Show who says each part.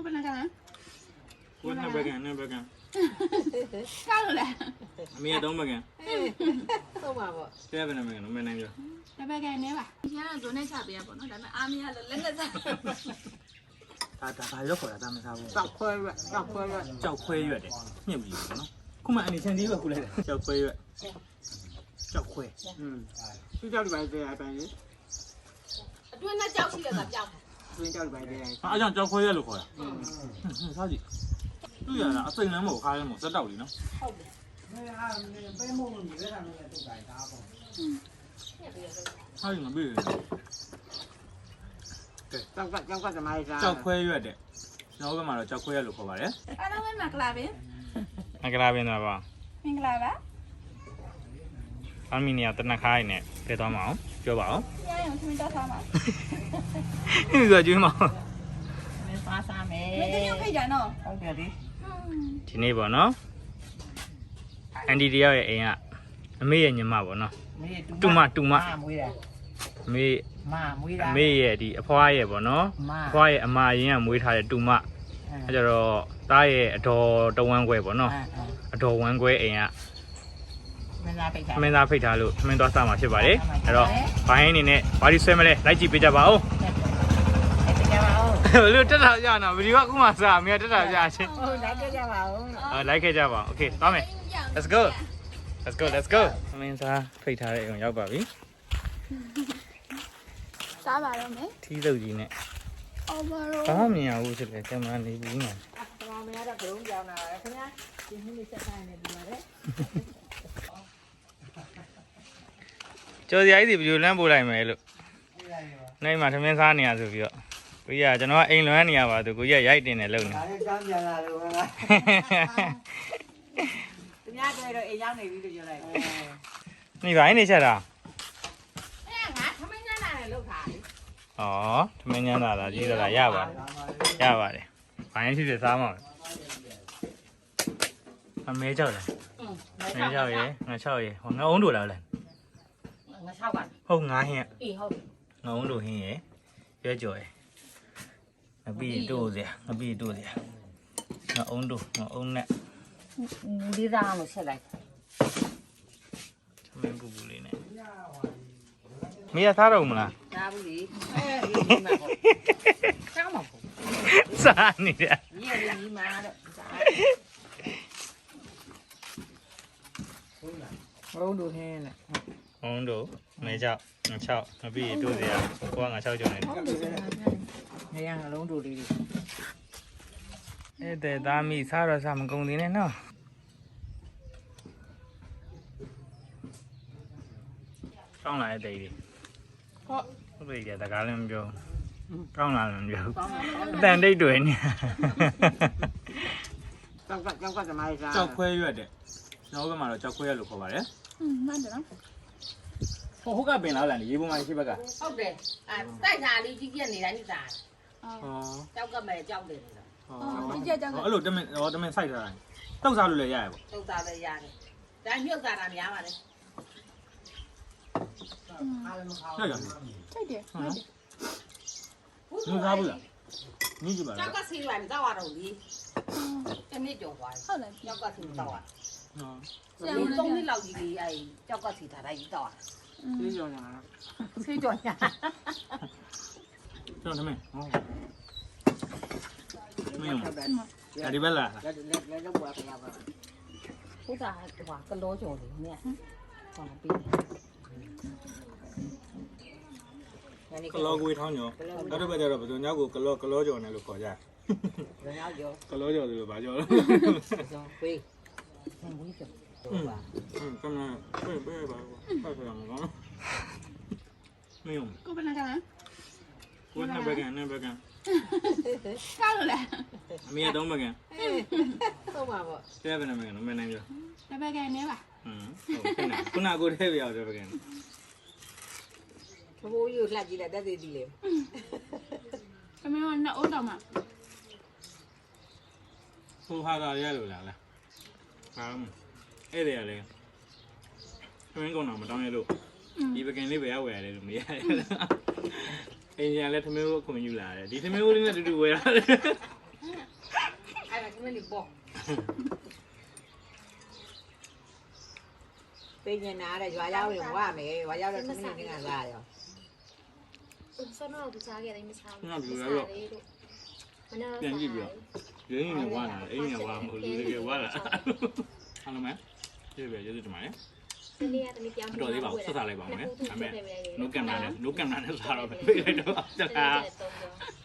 Speaker 1: ကိုဘယ်နဲ့ကန်လဲ
Speaker 2: ကိုနှစ်ဘက်ကန်နှစ်ဘက်ကန်
Speaker 1: ကားလို့လဲ
Speaker 2: အမေသုံးဘက်ကန်
Speaker 3: သုံးပါပေါ့
Speaker 2: တဲ့ဘယ်နဲ့ဘက်ကန်မနိုင်ပြော
Speaker 1: တစ်ဘက်ကန်နေပါဒီကတော့ဇွန်နဲ့ချပေးရပေါ့နော်ဒါပေမဲ့အားမရလို့လက်နဲ့စား
Speaker 2: ဒါဘာရောက်ခေါ်တာဒါမစားဘူး
Speaker 3: ကြောက်ခွဲရွက်ကြောက်ခွဲရွက်
Speaker 2: ကြောက်ခွဲရွက်တယ်ညှစ်ပြီးပေါ့နော်ခုမှအနေချန်သေးပဲခုလိုက်တယ်ကြောက်ခွဲရွက်ကြောက်ခွဲ
Speaker 3: သူကြောက်ဒီပိုင်းသေးအပိုင်းလေ
Speaker 1: အတွင်းနဲ့ကြောက်ရှိတယ်ကကြောက်
Speaker 3: အတွင်းကြောက်ဒီပိုင်းသေး
Speaker 2: အားကြောင့်ကြောက်ခွဲရွက်လို့ခေါ်တာစားကြည့်သူရတာအစိမ်လမ်းမဟုတ်ခါလမ်းမဟုတ်စက်တောက်လीနော်
Speaker 3: ဟုတ်တယ်ပဲမို့လို့ညီရတာလည်းတူတိုင်းဒါပေါ့
Speaker 2: ဟာဒီမှာပြေး
Speaker 3: ကြောက်ကသမိုင်းစား
Speaker 2: ကြောက်ခွဲရွက်တဲ့ကျွန်တော်ဘက်မှာတော့ကြောက်ခွဲရွက်လို့ခေါ်ပါတယ်
Speaker 1: အားလုံးပဲမင်္ဂလာပင်
Speaker 2: မင်္ဂလာပင်တော့ပါ
Speaker 1: မင်္ဂလာပါ
Speaker 2: အမီနီယာတနခါးရနဲ့ပြသွားမအောင်ပြောပါအောင်
Speaker 1: ရရင်သမီးတော့ထားပါ
Speaker 2: ဒီကကျွေးမအောင်
Speaker 3: မင်းစားမယ်
Speaker 1: မင်းတယောက်ဖိတ်ကြနော်
Speaker 3: ဟုတ်တယ်ဒီ
Speaker 2: နေ့ပေါ့နော်အန်ဒီတယောက်ရဲ့အိမ်ကအမေရဲ့ညီမပေါ့နော်တူမ
Speaker 3: မွေးတာ
Speaker 2: အမေ
Speaker 3: မွေးတာ
Speaker 2: အမေရဲ့ဒီအဖွားရဲ့ပေါ့နော်အဖွားရဲ့အမအရင်ကမွေးထားတဲ့တူမအဲကြတော့သားရဲ့အတော်တဝမ်းခွဲပေါ့နော်အတော်ဝမ်းခွဲအိမ်က
Speaker 3: မင်းသား
Speaker 2: ဖိတ်ထားလို့မင်းသွားစားမှာဖြစ်ပါတယ်အဲ့တော့ဘိုင်းအနေနဲ့ဘာဒီဆွဲမလဲလိုက်ကြည့်ပေးကြပါဦးဘလို့တက်တာကြနော်ဗီဒီယိုကခုမှစားအမေတက်တာကြချင်း
Speaker 3: ဟုတ်လိုက်ခဲ့ကြပါဦး
Speaker 2: လိုက်ခဲ့ကြပါโอเคသွားမယ် let's go မင်းစားဖိတ်ထားတဲ့အိမ်ရောက်ပါပြီ
Speaker 1: စားပါတော့မယ်
Speaker 2: ထီးစုပ်ကြီးနဲ့
Speaker 1: အော်ဘာလို့
Speaker 2: ဘာမှမမြင်ဘူးဖြစ်တယ်ကင်မရာနေဘူးညာ
Speaker 3: ဘာမှမရတော့ဘလုံးကြောင်းလာတယ်ခင်ဗျာဒီနေ့လေးဆက်ဆိုင်နေပြီပါလေ
Speaker 2: ကျော်စရာကြီးစီဗီဒီယိုလမ်းပို့လိုက်မယ်လို့နိုင်မှာထမင်းစားနေရဆိုပြီးတော့ကိုကြီးကကျွန်တော်ကအိမ်လွမ်းနေရပါသူကိုကြီးကရိုက်တင်တယ်လို့နေ
Speaker 3: ဒါလည်းကြောင်းပြန်လာလို့ပဲလားသူများတွေ့တော့အိမ်ရောက်နေပြီလို့ပြောလိုက်
Speaker 2: နေပါနေချက်တာ
Speaker 3: ငါထမင်းညနာနဲ့လောက်ထား
Speaker 2: ဩထမင်းညနာလားကြီးတာရပါတယ်ဘာရင်ဖြစ်ဖြစ်စားမှာအမဲကြောက်လားမဲကြောက်ရေငါ6ရေဟောငါအုံးတို့လားလဲ
Speaker 3: ငါ6ပါ
Speaker 2: ဟုတ်ငါဟင်း
Speaker 3: အေးဟုတ်
Speaker 2: ငါအုံးတို့ဟင်းရေရွက်ကြော်ရေငါပြီးတို့စရာငါပြီးတို့စရာငါအုံးတို့ငါအုံးနဲ့
Speaker 3: ဒီသားလို့ဆက်လိုက်
Speaker 2: သမင်းပူပူလေးနဲ့မင်းရသားတော့မလား
Speaker 3: သားဘူးလေဒီမှာပေါ့ကျောင်းမှာပေါ့
Speaker 2: စားနေတယ်
Speaker 3: ဒီမှာတော့ဘုံတို့ဟင်းနဲ့
Speaker 2: ဘုံတို့မဲကြောက်6ငါပြီးတို့စရာကိုကငါ6ကြော်နေတယ်
Speaker 3: နေရငလုံးတို့လေးတွေ
Speaker 2: အဲ့တဲ့သားမိစားတော့စားမကုန်သေးနဲ့နော်ကောင်းလာတဲ့တိတ်လေးဟုတ်ပြီတကားလည်းမပြောကောင်းလာလည်းမပြောအတန်တိတ်တွေနေ
Speaker 3: ကြောက်ကသမိုင်းစား
Speaker 2: ကြောက်ခွဲရွက်တဲ့ကျွန်တော်ဘက်မှာတော့ကြောက်ခွဲရွက်လို့ခေါ်ပါတယ်
Speaker 1: မှန်တယ်နော်
Speaker 2: ဟုတ်ကပင်လားလားရေပုံမှန်ရှိဘက်က
Speaker 3: ဟုတ်တယ်တိုက်တာလေးကြီးကြီးနေတိုင်းနေတာကြောက်ကမဲ့ကြောက်တယ်နော်
Speaker 1: ကြီးကြောက်
Speaker 2: အဲ့လိုတမင်စိုက်ထားတာတုတ်စားလို့လည်းရရပေါ့
Speaker 3: တုတ်စားလည်းရတယ်ဒါမြုပ်စားတာများပါလေ
Speaker 2: အားလုံးမခါဘူး
Speaker 1: ထိုက်တယ်
Speaker 2: ဟုတ်စားဘူးလားညကြည့်ပါလား
Speaker 3: ကြောက်ကစီလိုက်တော့ရတော့လေတနေ့ကြော်သွား
Speaker 1: ဟုတ်လား
Speaker 3: ကြောက်ကစီတော့ဟုတ်သုံးနှစ်လောက်ကြီးလေးအဲကြောက်ကစီထားလိုက်တော့ဆေးကြော်ညာဆေးကြော်ညာ
Speaker 2: ကျွန်တော်သမီးဟုတ်မင်းဒီဘက်လား
Speaker 3: လည်းတော့ပွားပြပါဟုတ်တာဟိုကလောကြော်လေးနဲ့ဟောပြီး
Speaker 2: ကလောကွေးထောင်းညောနောက်တစ်ပတ်ကျတော့ဘယ်သူညောက်ကိုကလောကြော်နေလို့ခေါ်ကြ
Speaker 3: တယ်ညောက်ကြော်
Speaker 2: ကလောကြော်ဆိုလို့ဗာကြော်လို့
Speaker 3: ကြော်ဝေးဝေးကြော်ပါ
Speaker 2: ကမပေးပါဖတ်ရမှာနော်မင်း
Speaker 1: ကိုဘယ်နဲ့ကန်လဲ
Speaker 2: ကိုနှစ်ဘက်ကန်
Speaker 1: ကားလို့လဲ
Speaker 2: အမေသုံးဘက်ကန်
Speaker 3: သုံးပါပေါ့
Speaker 2: တဲ့ဘယ်နဲ့ဘက်ကန်မနိုင်ပြော
Speaker 1: တစ်ဘက်ကန်နေပါ
Speaker 2: ဟုတ်ခုနကိုထဲပြအောင်တဲ့ဘက်ကန်
Speaker 3: ဘိုးကြီးကိုလှက်ကြည့်လိုက်တက်သေးသေးလေ
Speaker 1: အမေကနှစ်အိုးတော့မှ
Speaker 2: ဟိုဟာတာရလို့လားအဲ့ဒါလေမင်းကောင်တော့မတောင်းရလို့ဒီပကင်လေးပဲဝယ်ရတယ်လို့မရတယ်အင်ဂျင်လည်းသမီးကိုအခွင့်ယူလာတယ်ဒီသမီးကိုလေးနဲ့တူတူဝယ်ရတယ်
Speaker 3: မလေးပေါ့
Speaker 4: ပေးနေတာတဲ့ရွာရောက်ရင်ဝမယ်ရွာရောက်တဲ့သူနေနေကလာရော
Speaker 5: ဆောင်းတော့သူစားခဲ့တယ်မစားဘူး
Speaker 2: ငါပြောရတော့
Speaker 5: မနာ
Speaker 2: ပြန်ကြည့်ပြီးတော့ရင်းနေဝါလာအိမ်နေဝါမဟုတ်လူတွေဝါလာအားလုံးမဲပြေပဲကျေးဇူးတင်ပါတယ်
Speaker 5: ဒီနေ့ကတည်းကပြောင်း
Speaker 2: တော်သေးပါဘူးဆက်စားလိုက်ပါဦးမယ်ဒါပေမဲ့ no camera နဲ့ no camera နဲ့စားတော့ပဲပြေးလိုက်တော့တခါ